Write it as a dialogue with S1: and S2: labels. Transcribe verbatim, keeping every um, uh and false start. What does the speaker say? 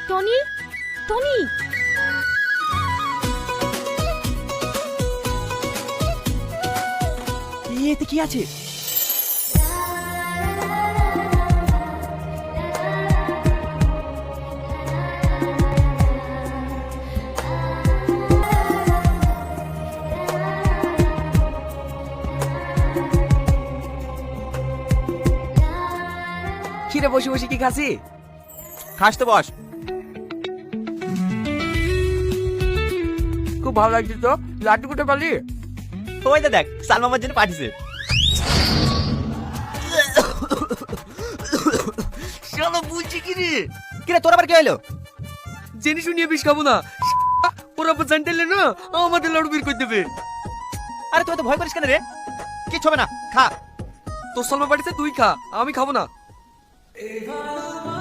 S1: Tony, Tony.
S2: এতে কি আছে?
S3: খিরে বসে বসে কি খাসি?
S2: খাস তো বস।
S3: খুব ভালো লাগছে তো। লাড্ডু কোটে পারলি?
S2: ওই দা দেখ, সালমা আমার জন্য পাঠিয়েছে।
S3: চলো বুঝছি কি রে।
S2: কিরে তোর আবার কি হলো?
S3: জেনে শুনিয়ে বিষ খাবো না। ওরা আবার জানতেলে না আমাদের লাড্ডু বের করে দেবে।
S2: আরে তুই তো ভয় করিস কেন রে? কিছু হবে না, খা।
S3: তোর সালমা পাঠিয়েছে, তুই খা, আমি খাবো না।